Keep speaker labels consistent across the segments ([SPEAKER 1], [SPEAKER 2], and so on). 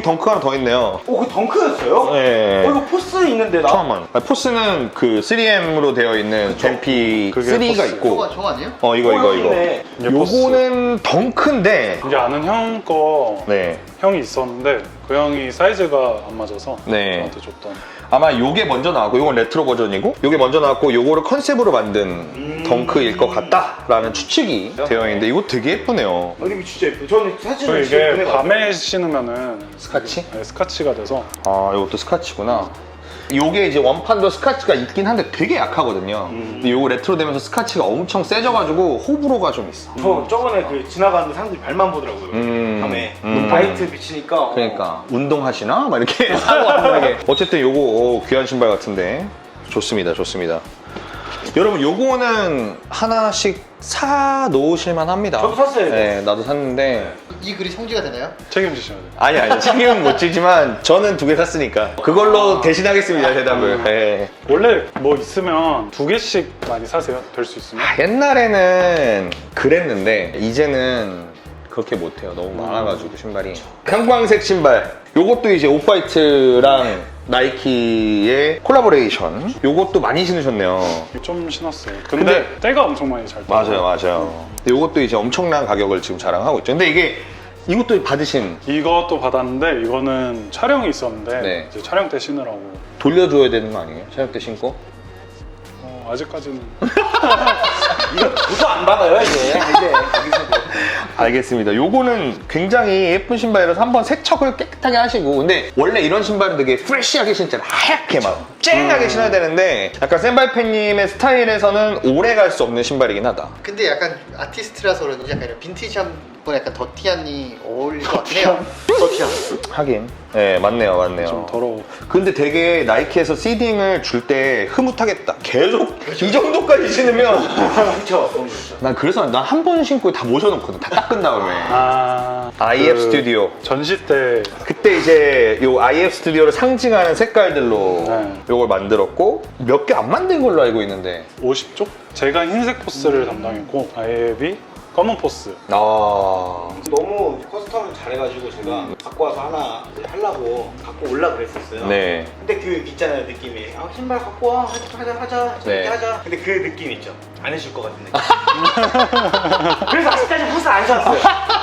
[SPEAKER 1] 여기 덩크 하나 더 있네요.
[SPEAKER 2] 그 덩크였어요?
[SPEAKER 1] 네.
[SPEAKER 2] 이거 포스 있는데 나?
[SPEAKER 1] 잠깐만. 포스는 그 3M으로 되어 있는 젠피
[SPEAKER 3] 그게
[SPEAKER 1] 3가
[SPEAKER 3] 포스.
[SPEAKER 1] 있고.
[SPEAKER 4] 저거 아니에요?
[SPEAKER 1] 이거.
[SPEAKER 2] 있네.
[SPEAKER 3] 이게 포스.
[SPEAKER 1] 요거는 덩크인데.
[SPEAKER 3] 이게 아는 형 거
[SPEAKER 1] 네.
[SPEAKER 3] 형이 있었는데 그 형이 사이즈가 안 맞아서
[SPEAKER 1] 네.
[SPEAKER 3] 저한테 줬던.
[SPEAKER 1] 아마 요게 먼저 나왔고, 요건 레트로 버전이고, 요게 먼저 나왔고, 요거를 컨셉으로 만든 덩크일 것 같다라는 추측이 되어 있는데, 이거 되게 예쁘네요.
[SPEAKER 2] 이거 진짜 예뻐. 저는
[SPEAKER 3] 저
[SPEAKER 2] 사진을
[SPEAKER 3] 이게 밤에 신으면은
[SPEAKER 1] 스카치?
[SPEAKER 3] 네, 스카치가 돼서.
[SPEAKER 1] 아, 이것도 스카치구나. 요게 이제 원판도 스카치가 있긴 한데 되게 약하거든요. 근데 요거 레트로 되면서 스카치가 엄청 세져가지고 호불호가 좀 있어.
[SPEAKER 2] 저 저번에 그 지나가는 사람들이 발만 보더라고요. 밤에 라이트 비치니까.
[SPEAKER 1] 그러니까 운동하시나? 막 이렇게 사고 한다게. 어쨌든 요거 귀한 신발 같은데 좋습니다. 여러분 요거는 하나씩 사 놓으실만 합니다.
[SPEAKER 2] 저도 샀어요, 이거.
[SPEAKER 1] 네, 나도 샀는데
[SPEAKER 4] 이 글이 성지가 되나요?
[SPEAKER 3] 책임지셔야 돼요.
[SPEAKER 1] 아니 책임은 못 지지만 저는 2개 샀으니까 그걸로 대신하겠습니다 대답을. 네.
[SPEAKER 3] 원래 뭐 있으면 2개씩 많이 사세요. 될 수 있으면.
[SPEAKER 1] 옛날에는 그랬는데 이제는 그렇게 못해요. 너무 많아가지고 신발이. 형광색 신발. 요것도 이제 오프화이트랑 나이키의 콜라보레이션. 요것도 많이 신으셨네요.
[SPEAKER 3] 좀 신었어요. 근데 때가 엄청 많이 잘 떠요.
[SPEAKER 1] 맞아요. 근데 요것도 이제 엄청난 가격을 지금 자랑하고 있죠. 근데 이것도 받으신,
[SPEAKER 3] 이것도 받았는데 이거는 촬영이 있었는데
[SPEAKER 1] 네.
[SPEAKER 3] 이제 촬영 때 신으라고.
[SPEAKER 1] 돌려줘야 되는 거 아니에요? 촬영 때 신고?
[SPEAKER 3] 아직까지는.
[SPEAKER 2] 이거 도서 안 받아요 이제. 여기서도.
[SPEAKER 1] 알겠습니다. 요거는 굉장히 예쁜 신발이라서 한번 세척을 깨끗하게 하시고, 근데 원래 이런 신발은 되게 프레쉬하게 신잖아요. 하얗게 막 쨍하게 신어야 되는데 약간 센발팬님의 스타일에서는 오래 갈 수 없는 신발이긴 하다.
[SPEAKER 4] 근데 약간 아티스트라서 그런지 약간 이런 빈티지한 분 약간 더티한이 어울릴 것 같긴 해요. 더티한.
[SPEAKER 1] 하긴. 네, 맞네요.
[SPEAKER 3] 좀 더러워.
[SPEAKER 1] 근데 되게 나이키에서 시딩을 줄 때 흐뭇하겠다. 계속 이 정도까지 신으면.
[SPEAKER 2] 그렇죠.
[SPEAKER 1] 난 그래서 난 한 번 신고 다 모셔놓거든. 다 닦은 다음에. IF
[SPEAKER 3] 그
[SPEAKER 1] 스튜디오.
[SPEAKER 3] 전시 때
[SPEAKER 1] 그때 이제 요 IF 스튜디오를 상징하는 색깔들로
[SPEAKER 3] 네.
[SPEAKER 1] 요걸 만들었고, 몇 개 안 만든 걸로 알고 있는데.
[SPEAKER 3] 50쪽? 제가 흰색 포스를 담당했고 아이앱이 검은 포스.
[SPEAKER 2] 너무 커스텀을 잘해가지고 제가 갖고 와서 하나 하려고 갖고 올라 그랬었어요.
[SPEAKER 1] 네.
[SPEAKER 2] 근데 그 있잖아요 느낌이. 신발 갖고 와 하자 재밌게
[SPEAKER 1] 네.
[SPEAKER 2] 하자. 근데 그 느낌 있죠. 안 해줄 것 같은 느낌. 그래서 아직까지 포스 안 샀어요.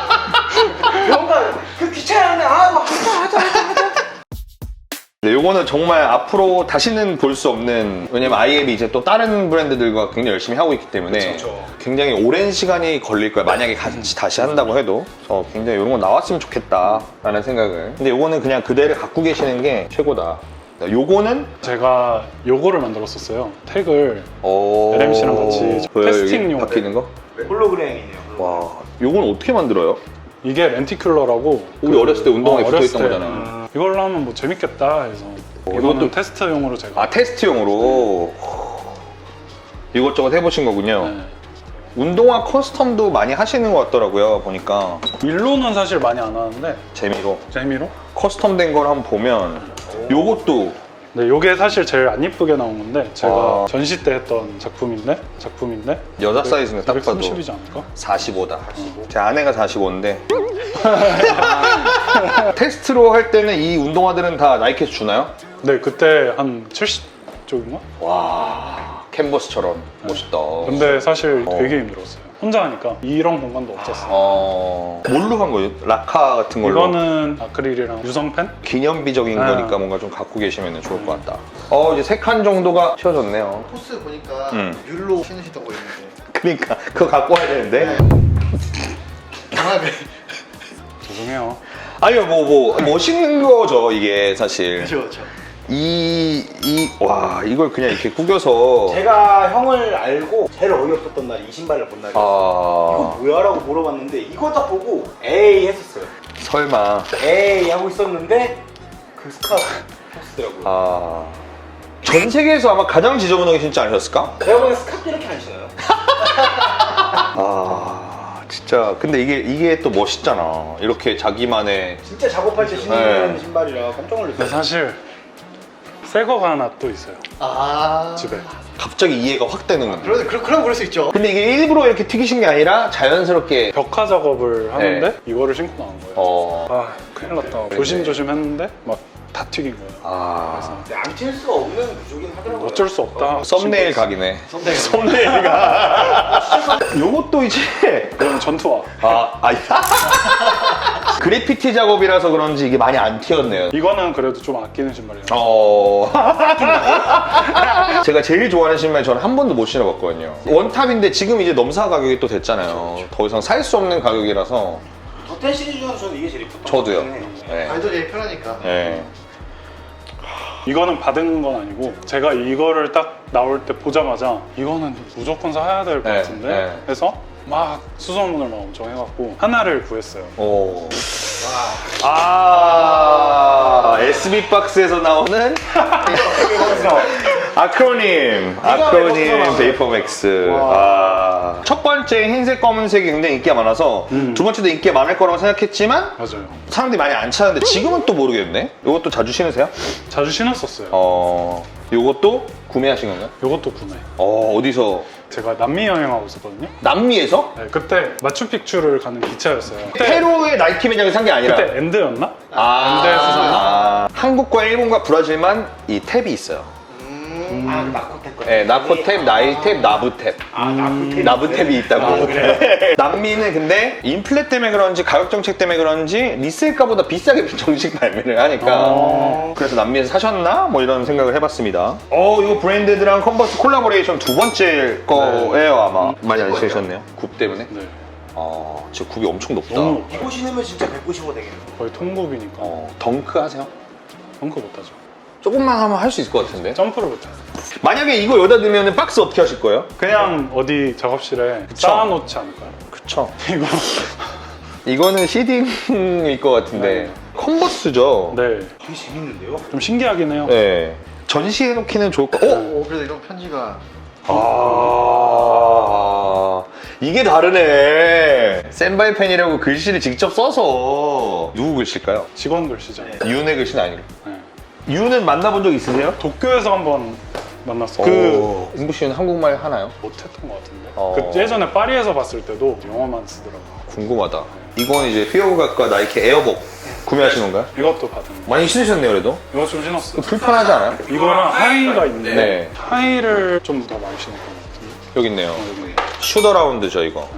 [SPEAKER 2] 뭔가 그 귀찮은데 뭐 하자.
[SPEAKER 1] 네, 요거는 정말 앞으로 다시는 볼 수 없는, 왜냐면 IF이 이제 또 다른 브랜드들과 굉장히 열심히 하고 있기 때문에
[SPEAKER 2] 그쵸.
[SPEAKER 1] 굉장히 오랜 시간이 걸릴 거야. 만약에 같이 다시 한다고 해도. 굉장히 이런 거 나왔으면 좋겠다 라는 생각을. 근데 요거는 그냥 그대로 갖고 계시는 게 최고다. 요거는
[SPEAKER 3] 제가 요거를 만들었었어요. 택을
[SPEAKER 1] 오...
[SPEAKER 3] LMC랑 같이
[SPEAKER 1] 보여요, 여기
[SPEAKER 3] 테스팅용.
[SPEAKER 1] 바뀌는 거?
[SPEAKER 2] 홀로그램이네요.
[SPEAKER 1] 와, 요건 어떻게 만들어요?
[SPEAKER 3] 이게 렌티큘러라고.
[SPEAKER 1] 우리 어렸을 때 운동화에
[SPEAKER 3] 어렸을
[SPEAKER 1] 붙어있던
[SPEAKER 3] 때.
[SPEAKER 1] 거잖아.
[SPEAKER 3] 이걸로 하면 뭐 재밌겠다 해서 이것도
[SPEAKER 1] 이것도-
[SPEAKER 3] 테스트용으로 제가.
[SPEAKER 1] 테스트용으로 이것저것 해보신 거군요.
[SPEAKER 3] 네.
[SPEAKER 1] 운동화 커스텀도 많이 하시는 것 같더라고요, 보니까.
[SPEAKER 3] 일로는 사실 많이 안 하는데
[SPEAKER 1] 재미로.
[SPEAKER 3] 재미로.
[SPEAKER 1] 커스텀된 걸 한번 보면 요것도
[SPEAKER 3] 네, 요게 사실 제일 안 이쁘게 나온 건데 제가
[SPEAKER 1] 와.
[SPEAKER 3] 전시 때 했던 작품인데
[SPEAKER 1] 여자 사이즈는 딱 봐도
[SPEAKER 3] 230이지 않을까?
[SPEAKER 1] 45다. 제 아내가 45인데. 테스트로 할 때는 이 운동화들은 다 나이키에서 주나요?
[SPEAKER 3] 네, 그때 한 70쪽인가?
[SPEAKER 1] 와, 캔버스처럼 멋있다.
[SPEAKER 3] 근데 사실 되게 힘들었어요. 혼자 하니까 이런 공간도 없었어요.
[SPEAKER 1] 뭘로 한 거예요? 라카 같은 걸로?
[SPEAKER 3] 이거는 아크릴이랑 유성펜?
[SPEAKER 1] 기념비적인
[SPEAKER 3] 아.
[SPEAKER 1] 거니까 뭔가 좀 갖고 계시면 좋을 것 같다. 이제 3칸 정도가 채워졌네요.
[SPEAKER 4] 포스 보니까
[SPEAKER 1] 율로
[SPEAKER 4] 신으시던 거 있는데
[SPEAKER 1] 그러니까 그거 갖고 와야 되는데.
[SPEAKER 4] 강하게.
[SPEAKER 3] 죄송해요.
[SPEAKER 1] 아니요, 멋있는 거죠, 이게 사실.
[SPEAKER 4] 그렇죠.
[SPEAKER 1] 와, 이걸 그냥 이렇게 구겨서.
[SPEAKER 2] 제가 형을 알고 제일 어이없었던 날이 이 신발을 본 날이었어요. 이거 뭐야? 라고 물어봤는데 이거 딱 보고 에이 했었어요.
[SPEAKER 1] 설마.
[SPEAKER 2] 에이 하고 있었는데 그 스카프 포스더라고요.
[SPEAKER 1] 전 세계에서 아마 가장 지저분하게 신지 않으셨을까?
[SPEAKER 2] 제가 보기엔 스카프 이렇게 안 신어요.
[SPEAKER 1] 진짜. 근데 이게 또 멋있잖아. 이렇게 자기만의.
[SPEAKER 2] 진짜 작업할 때 신는
[SPEAKER 1] 네.
[SPEAKER 2] 신발이라 깜짝
[SPEAKER 3] 근데
[SPEAKER 2] 놀랐어요.
[SPEAKER 3] 사실 새 거가 하나 또 있어요. 집에.
[SPEAKER 1] 갑자기 이해가 확 되는 건데.
[SPEAKER 4] 그럼 그럴 수 있죠.
[SPEAKER 1] 근데 이게 일부러 이렇게 튀기신 게 아니라 자연스럽게.
[SPEAKER 3] 벽화 작업을 하는데 이거를 신고 나온 거예요. 큰일 났다. 조심조심 했는데 막 다 튀긴 거예요.
[SPEAKER 1] 아.
[SPEAKER 2] 양칠 수가 없는 구조긴 하더라고요.
[SPEAKER 3] 어쩔 수 없다.
[SPEAKER 1] 썸네일 각이네. 썸네일 각. 요것도 이제
[SPEAKER 3] 이건 전투화.
[SPEAKER 1] 그래피티 작업이라서 그런지 이게 많이 안 튀었네요.
[SPEAKER 3] 이거는 그래도 좀 아끼는 신발이에요.
[SPEAKER 1] 제가 제일 좋아하는 신발 저는 한 번도 못 신어봤거든요. 원탑인데 지금 이제 넘사 가격이 또 됐잖아요. 더 이상 살 수 없는 가격이라서.
[SPEAKER 2] 더텐 시리즈 중에서 저는 이게 제일 이뻤던
[SPEAKER 1] 저도요.
[SPEAKER 2] 것 같긴 해요.
[SPEAKER 1] 네.
[SPEAKER 4] 발도 제일 편하니까.
[SPEAKER 1] 네.
[SPEAKER 3] 이거는 받은 건 아니고 제가 이거를 딱 나올 때 보자마자 이거는 무조건 사야 될 것
[SPEAKER 1] 네,
[SPEAKER 3] 같은데
[SPEAKER 1] 네.
[SPEAKER 3] 해서 막 수소문을 막 엄청 해갖고 하나를 구했어요.
[SPEAKER 1] 오. SB 박스에서 나오는 아크로님 베이퍼맥스. 첫 번째 흰색 검은색이 굉장히 인기가 많아서 두 번째도 인기가 많을 거라고 생각했지만
[SPEAKER 3] 맞아요.
[SPEAKER 1] 사람들이 많이 안 찾는데 지금은 또 모르겠네. 이것도 자주 신으세요?
[SPEAKER 3] 자주 신었었어요.
[SPEAKER 1] 이것도 구매하신 건가요?
[SPEAKER 3] 이것도 구매.
[SPEAKER 1] 어디서?
[SPEAKER 3] 제가 남미 여행하고 있었거든요.
[SPEAKER 1] 남미에서?
[SPEAKER 3] 네, 그때 마추픽추를 가는 기차였어요. 그때,
[SPEAKER 1] 페루의 나이키 매장에 산 게 아니라.
[SPEAKER 3] 그때 엔드였나? 엔드에서 샀나?
[SPEAKER 1] 한국과 일본과 브라질만 이 탭이 있어요.
[SPEAKER 2] 나코탭 거.
[SPEAKER 1] 네, 나코탭, 나이탭, 나부탭. 나부탭이 있다고. 남미는 근데 인플레 때문에 그런지 가격 정책 때문에 그런지 리셀가보다 비싸게 정식 발매를 하니까 그래서 남미에서 사셨나? 뭐 이런 생각을 해봤습니다. 이거 브랜드드랑 컨버스 콜라보레이션 두 번째 거예요 아마. 많이 안 신으셨네요. 굽 때문에.
[SPEAKER 3] 네.
[SPEAKER 1] 진짜 굽이 엄청 높다.
[SPEAKER 3] 너무 높아요.
[SPEAKER 2] 이거 신으면 진짜 195 되겠네요.
[SPEAKER 3] 거의 통굽이니까.
[SPEAKER 1] 덩크 하세요?
[SPEAKER 3] 덩크 못하죠.
[SPEAKER 1] 조금만 하면 할 수 있을 것 같은데.
[SPEAKER 3] 점프를 못해요.
[SPEAKER 1] 만약에 이거 여기다 넣으면 박스 어떻게 하실 거예요?
[SPEAKER 3] 그냥 어디 작업실에 쌓아놓지 않을까요?
[SPEAKER 1] 그쵸.
[SPEAKER 3] 이거
[SPEAKER 1] 이거는 시딩일 것 같은데. 컨버스죠?
[SPEAKER 3] 네,
[SPEAKER 2] 되게 재밌는데요?
[SPEAKER 3] 좀 신기하긴 해요.
[SPEAKER 1] 네. 전시해 놓기는 좋을 것 같아요.
[SPEAKER 4] 그래도 이런 편지가
[SPEAKER 1] 이게 다르네. 센바이 펜이라고 글씨를 직접 써서 누구 글씨일까요?
[SPEAKER 3] 직원 글씨죠.
[SPEAKER 1] 윤의 글씨는 아니고.
[SPEAKER 3] 네.
[SPEAKER 1] 윤은 만나본 적 있으세요?
[SPEAKER 3] 도쿄에서 한번 만났어요.
[SPEAKER 1] 인부 씨는 한국말 하나요?
[SPEAKER 3] 못했던 것 같은데.
[SPEAKER 1] 어.
[SPEAKER 3] 그 예전에 파리에서 봤을 때도 영어만 쓰더라고요.
[SPEAKER 1] 궁금하다. 이건 이제 피어각과 나이키 에어복 구매하신 건가요?
[SPEAKER 3] 이것도 받은 거.
[SPEAKER 1] 많이 신으셨네요, 그래도.
[SPEAKER 3] 이거 좀 신었어요.
[SPEAKER 1] 불편하지 않아요?
[SPEAKER 3] 이거랑 하이가 있는데
[SPEAKER 1] 네.
[SPEAKER 3] 하이를 좀 더 많이 신었던 것 같은데.
[SPEAKER 1] 여기 있네요.
[SPEAKER 3] 여기.
[SPEAKER 1] 슈더라운드죠, 이거.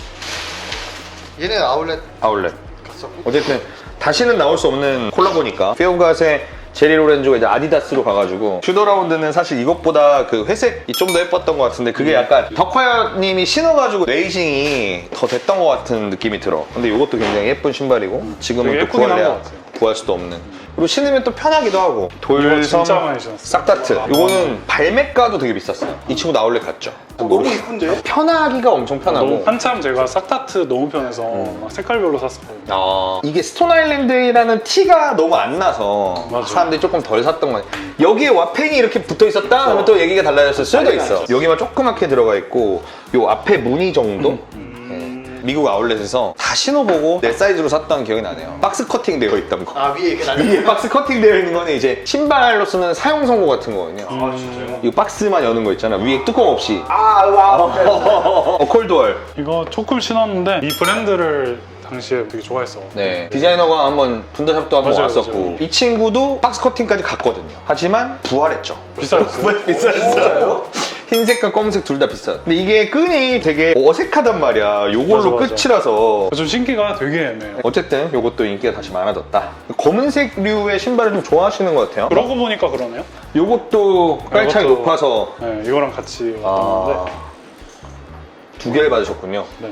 [SPEAKER 4] 얘는 아울렛
[SPEAKER 1] 아울렛.
[SPEAKER 4] 갔었고
[SPEAKER 1] 어쨌든 다시는 나올 수 없는 콜라보니까 피어갓의 제리 로렌조가 이제 아디다스로 가가지고 슈더라운드는 사실 이것보다 그 회색이 좀 더 예뻤던 것 같은데 그게 약간 덕화님이 신어가지고 레이싱이 더 됐던 것 같은 느낌이 들어. 근데 이것도 굉장히 예쁜 신발이고 지금은
[SPEAKER 3] 되게
[SPEAKER 1] 또
[SPEAKER 3] 예쁘긴 한것
[SPEAKER 1] 구할래야
[SPEAKER 3] 같아요.
[SPEAKER 1] 구할 수도 없는. 그리고 신으면 또 편하기도 하고
[SPEAKER 3] 이거
[SPEAKER 1] 돌섬
[SPEAKER 3] 진짜 많이 신었어요.
[SPEAKER 1] 싹다트. 이거는 발매가도 되게 비쌌어요. 이 친구 나올래 갔죠.
[SPEAKER 2] 너무 이쁜데요?
[SPEAKER 1] 편하기가 엄청 편하고.
[SPEAKER 3] 너무 한참 제가 싹다트 너무 편해서 막 색깔별로 샀었거든요.
[SPEAKER 1] 이게 스톤 아일랜드라는 티가 너무 안 나서
[SPEAKER 3] 맞아.
[SPEAKER 1] 사람들이 조금 덜 샀던 거 같아요. 여기에 와펜이 이렇게 붙어 있었다 하면 또 얘기가 달라졌을 수도 있어. 여기만 조그맣게 들어가 있고 요 앞에 무늬 정도? 네. 미국 아울렛에서 다 신어보고 내 사이즈로 샀던 기억이 나네요. 박스 커팅 되어 있던 거.
[SPEAKER 4] 위에 이렇게
[SPEAKER 1] 위에 박스 커팅 되어 있는 거는 이제 신발로 쓰는 사용 선고 같은 거거든요.
[SPEAKER 2] 아 진짜요?
[SPEAKER 1] 이 박스만 여는 거 있잖아. 위에 뚜껑 없이.
[SPEAKER 2] 와.
[SPEAKER 1] 콜드월.
[SPEAKER 3] 이거 조금 신었는데 이 브랜드를 당시에 되게 좋아했어.
[SPEAKER 1] 네. 디자이너가 한번 분더샵도 한번
[SPEAKER 3] 맞아요,
[SPEAKER 1] 왔었고
[SPEAKER 3] 맞아요.
[SPEAKER 1] 이 친구도 박스 커팅까지 갔거든요. 하지만 부활했죠.
[SPEAKER 3] 비싸졌어요.
[SPEAKER 1] 비쌌어요. 흰색과 검은색 둘 다 비싸. 근데 이게 끈이 되게 어색하단 말이야. 요걸로
[SPEAKER 3] 맞아, 맞아.
[SPEAKER 1] 끝이라서.
[SPEAKER 3] 좀 신기가 되게 애매해요.
[SPEAKER 1] 어쨌든 요것도 인기가 다시 많아졌다. 검은색류의 신발을 좀 좋아하시는 것 같아요.
[SPEAKER 3] 그러고 보니까 그러네요.
[SPEAKER 1] 요것도 깔창이
[SPEAKER 3] 이것도-
[SPEAKER 1] 높아서
[SPEAKER 3] 네, 이거랑 같이 왔던 건데.
[SPEAKER 1] 두 개를 받으셨군요.
[SPEAKER 3] 네.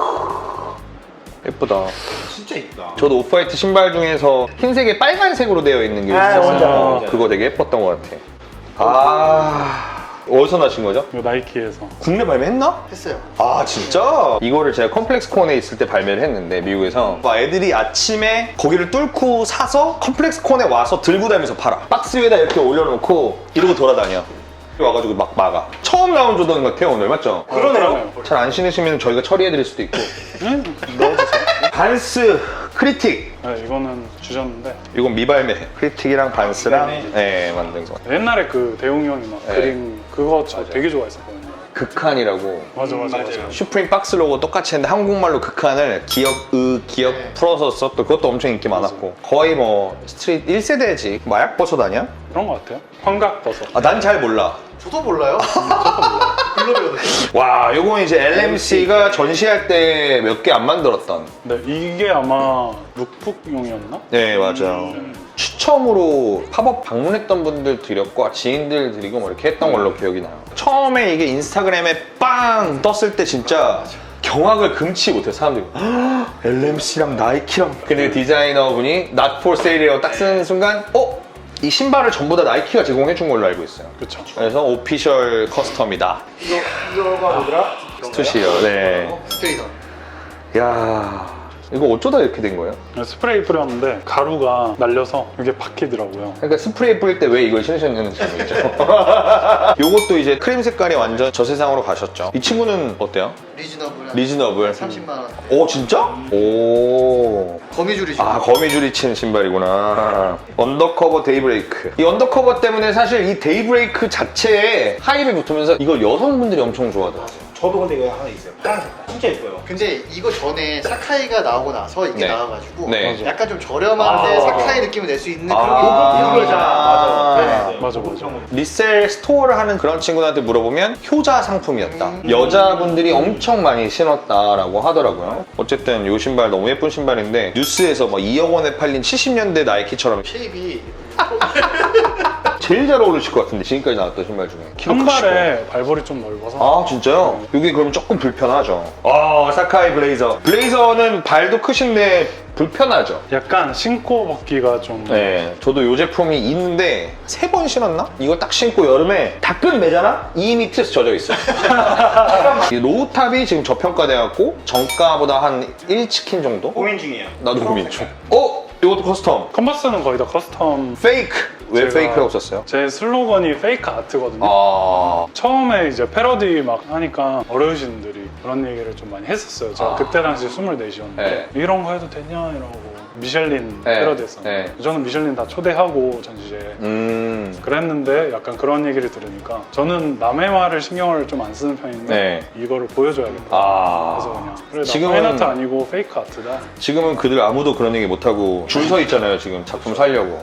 [SPEAKER 1] 예쁘다.
[SPEAKER 2] 진짜 이쁘다.
[SPEAKER 1] 저도 오프화이트 신발 중에서 흰색에 빨간색으로 되어 있는 게
[SPEAKER 2] 아,
[SPEAKER 1] 있었어요.
[SPEAKER 2] 맞아요.
[SPEAKER 1] 그거 되게 예뻤던 것 같아. 어디서 나신 거죠?
[SPEAKER 3] 이거 나이키에서.
[SPEAKER 1] 국내 발매했나?
[SPEAKER 4] 했어요.
[SPEAKER 1] 아 진짜? 이거를 제가 컴플렉스 콘에 있을 때 발매를 했는데 미국에서 애들이 아침에 거기를 뚫고 사서 컴플렉스 콘에 와서 들고 다니면서 팔아. 박스 위에다 이렇게 올려놓고 이러고 돌아다녀. 와가지고 막 막아. 처음 나온 조던 같아요 오늘 맞죠?
[SPEAKER 2] 그러네요.
[SPEAKER 1] 잘 안 신으시면 저희가 처리해드릴 수도 있고.
[SPEAKER 3] 네? 넣어주세요.
[SPEAKER 1] 반스 크리틱.
[SPEAKER 3] 네, 이거는 주셨는데
[SPEAKER 1] 이건 미발매. 크리틱이랑 반스랑
[SPEAKER 2] 미발매.
[SPEAKER 1] 네, 만든 거.
[SPEAKER 3] 옛날에 그 대웅 형이 막
[SPEAKER 1] 네.
[SPEAKER 3] 그림 그거 저 되게 좋아했었거든요.
[SPEAKER 1] 극한이라고.
[SPEAKER 3] 맞아.
[SPEAKER 1] 슈프림 박스 로고 똑같이 했는데 한국말로 극한을 기억
[SPEAKER 3] 네.
[SPEAKER 1] 풀어서 썼던 그것도 엄청 인기 많았고 거의 뭐 스트릿 1세대지. 마약 버섯 아니야?
[SPEAKER 3] 그런 것 같아요. 환각버섯.
[SPEAKER 1] 아, 난 잘 몰라.
[SPEAKER 4] 저도 몰라요. 글로 배우는.
[SPEAKER 1] 와, 요건 이제 LMC가 전시할 때 몇 개 안 만들었던.
[SPEAKER 3] 네, 이게 아마 룩북용이었나?
[SPEAKER 1] 네, 맞아요. 추첨으로 팝업 방문했던 분들 드렸고 지인들 드리고 뭐 이렇게 했던 걸로 기억이 나요. 처음에 이게 인스타그램에 빵 떴을 때 진짜 경악을 금치 못해 사람들이. LMC랑 나이키랑. 근데 디자이너분이 Not for sale이라고 딱 쓰는 순간 이 신발을 전부 다 나이키가 제공해 준 걸로 알고 있어요.
[SPEAKER 3] 그렇죠.
[SPEAKER 1] 그래서 오피셜 커스텀이다.
[SPEAKER 2] 이거가 뭐더라?
[SPEAKER 1] 스투시요. 네.
[SPEAKER 4] 스트레이터.
[SPEAKER 1] 야, 이거 어쩌다 이렇게 된 거예요?
[SPEAKER 3] 스프레이 뿌렸는데 가루가 날려서 이게 박히더라고요.
[SPEAKER 1] 그러니까 스프레이 뿌릴 때 왜 이걸 신으셨는지 모르겠죠. 요것도 이제 크림 색깔이 완전 저세상으로 가셨죠. 이 친구는 어때요?
[SPEAKER 4] 리즈너블.
[SPEAKER 1] 리즈너블.
[SPEAKER 4] 30만 원.
[SPEAKER 1] 오, 진짜? 오.
[SPEAKER 4] 거미줄이죠.
[SPEAKER 1] 아, 거미줄이 친 신발이구나. 언더커버 데이브레이크. 이 언더커버 때문에 사실 이 데이브레이크 자체에 하이브 붙으면서 이걸 여성분들이 엄청 좋아하더라고요.
[SPEAKER 2] 저도 근데 이거 하나 있어요. 파란색. 진짜 예뻐요.
[SPEAKER 4] 근데 이거 전에 사카이가 나오고 나서 이게
[SPEAKER 1] 네.
[SPEAKER 4] 나와가지고
[SPEAKER 1] 네.
[SPEAKER 4] 약간 좀 저렴한데
[SPEAKER 2] 아.
[SPEAKER 4] 사카이 느낌을 낼 수 있는 그런
[SPEAKER 1] 아.
[SPEAKER 4] 게
[SPEAKER 2] 맞아.
[SPEAKER 3] 맞아.
[SPEAKER 1] 리셀 스토어를 하는 그런 친구들한테 물어보면 효자 상품이었다. 여자분들이 엄청 많이 신었다라고 하더라고요. 어쨌든 이 신발 너무 예쁜 신발인데 뉴스에서 뭐 2억 원에 팔린 70년대 나이키처럼
[SPEAKER 4] 쉐입이
[SPEAKER 1] 제일 잘 어울리실 것 같은데 지금까지 나왔던 신발 중에. 키도 크시고.
[SPEAKER 3] 한발에 발볼이 좀 넓어서
[SPEAKER 1] 아, 진짜요? 이게 그럼 조금 불편하죠. 사카이 블레이저. 블레이저는 발도 크신데 불편하죠.
[SPEAKER 3] 약간 신고 벗기가 좀
[SPEAKER 1] 네, 저도 이 제품이 있는데 3번 신었나? 이거 딱 신고 여름에 다 끝 매잖아? 이미 트에서 젖어 있어요. 이 로우탑이 지금 저평가돼갖고 정가보다 한 1치킨 정도?
[SPEAKER 2] 고민 중이에요.
[SPEAKER 1] 나도 고민 중. 이것도 커스텀.
[SPEAKER 3] 컨버스는 거의 다 커스텀.
[SPEAKER 1] 페이크. 왜
[SPEAKER 3] 제가-
[SPEAKER 1] 페이크라고 썼어요?
[SPEAKER 3] 제 슬로건이 페이크 아트거든요.
[SPEAKER 1] 아,
[SPEAKER 3] 처음에 이제 패러디 막 하니까 어르신들이 그런 얘기를 좀 많이 했었어요. 제가
[SPEAKER 1] 아.
[SPEAKER 3] 그때 당시 24이었는데
[SPEAKER 1] 네.
[SPEAKER 3] 이런 거 해도 되냐 이러고 미슐린
[SPEAKER 1] 네.
[SPEAKER 3] 패러디했었는데 저는 미슐린 다 초대하고 전시에 그랬는데 약간 그런 얘기를 들으니까 저는 남의 말을 신경을 좀 안 쓰는 편인데
[SPEAKER 1] 네.
[SPEAKER 3] 이거를 보여줘야겠다.
[SPEAKER 1] 아.
[SPEAKER 3] 그래서 그냥 그래 나
[SPEAKER 1] 지금은-
[SPEAKER 3] 페인아트 아니고 페이크 아트다.
[SPEAKER 1] 지금은 그들 아무도 그런 얘기 못하고 줄 서 있잖아요, 지금 작품 살려고.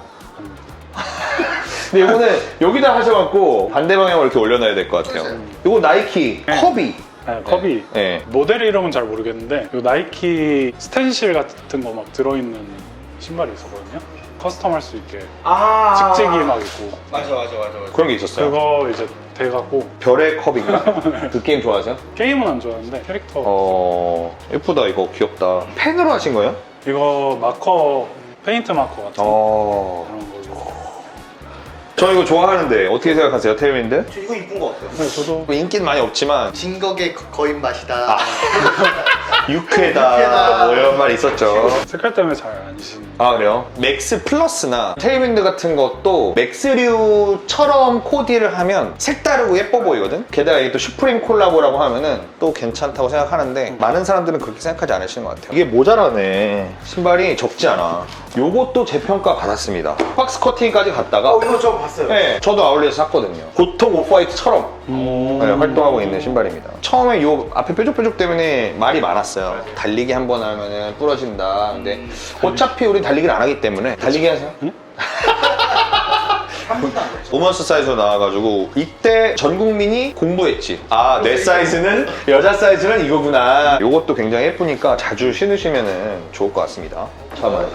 [SPEAKER 1] 근데 이거는 여기다 하셔갖고 반대 방향으로 이렇게 올려놔야 될 것 같아요. 이거 나이키
[SPEAKER 3] 네.
[SPEAKER 1] 커비.
[SPEAKER 3] 네, 컵이
[SPEAKER 1] 네.
[SPEAKER 3] 모델 이름은 잘 모르겠는데 요 나이키 스텐실 같은 거 막 들어있는 신발이 있었거든요. 커스텀 할 수 있게 찍찍이 막 있고
[SPEAKER 2] 맞아.
[SPEAKER 1] 그런 게 있었어요.
[SPEAKER 3] 그거 이제 돼갖고
[SPEAKER 1] 별의 컵인가? 그 게임 좋아하세요?
[SPEAKER 3] 게임은 안 좋아하는데 캐릭터
[SPEAKER 1] 예쁘다. 이거 귀엽다. 펜으로 하신 거예요?
[SPEAKER 3] 이거 마커 페인트 마커 같은 그런 걸로.
[SPEAKER 1] 저 이거 좋아하는데 어떻게 생각하세요, 테일윈드?
[SPEAKER 2] 저 이거 이쁜 거 같아요.
[SPEAKER 3] 네, 저도
[SPEAKER 1] 인기는 많이 없지만
[SPEAKER 4] 진격의 거인 맛이다.
[SPEAKER 1] 유쾌다 뭐 이런 말 있었죠.
[SPEAKER 3] 색깔 때문에 잘 안 신는.
[SPEAKER 1] 아, 그래요? 맥스 플러스나 테일윈드 같은 것도 맥스류처럼 코디를 하면 색다르고 예뻐 보이거든? 게다가 이게 또 슈프림 콜라보라고 하면은 또 괜찮다고 생각하는데 많은 사람들은 그렇게 생각하지 않으시는 것 같아요. 이게 모자라네. 신발이 적지 않아. 요것도 재평가 받았습니다. 박스 커팅까지 갔다가
[SPEAKER 2] 이거 저 봤어요.
[SPEAKER 1] 네, 저도 아울렛에서 샀거든요. 보통 오프화이트처럼 네, 활동하고 있는 신발입니다. 처음에 요 앞에 뾰족뾰족 때문에 말이 많았어요. 달리기 한 번 하면은 부러진다. 근데 어차피 우리 달리기를 안 하기 때문에 달리기 하세요? 우먼스 사이즈로 나와가지고 이때 전 국민이 공부했지. 아, 내 사이즈는 여자 사이즈는 이거구나. 요것도 굉장히 예쁘니까 자주 신으시면 좋을 것 같습니다. 잠깐만요.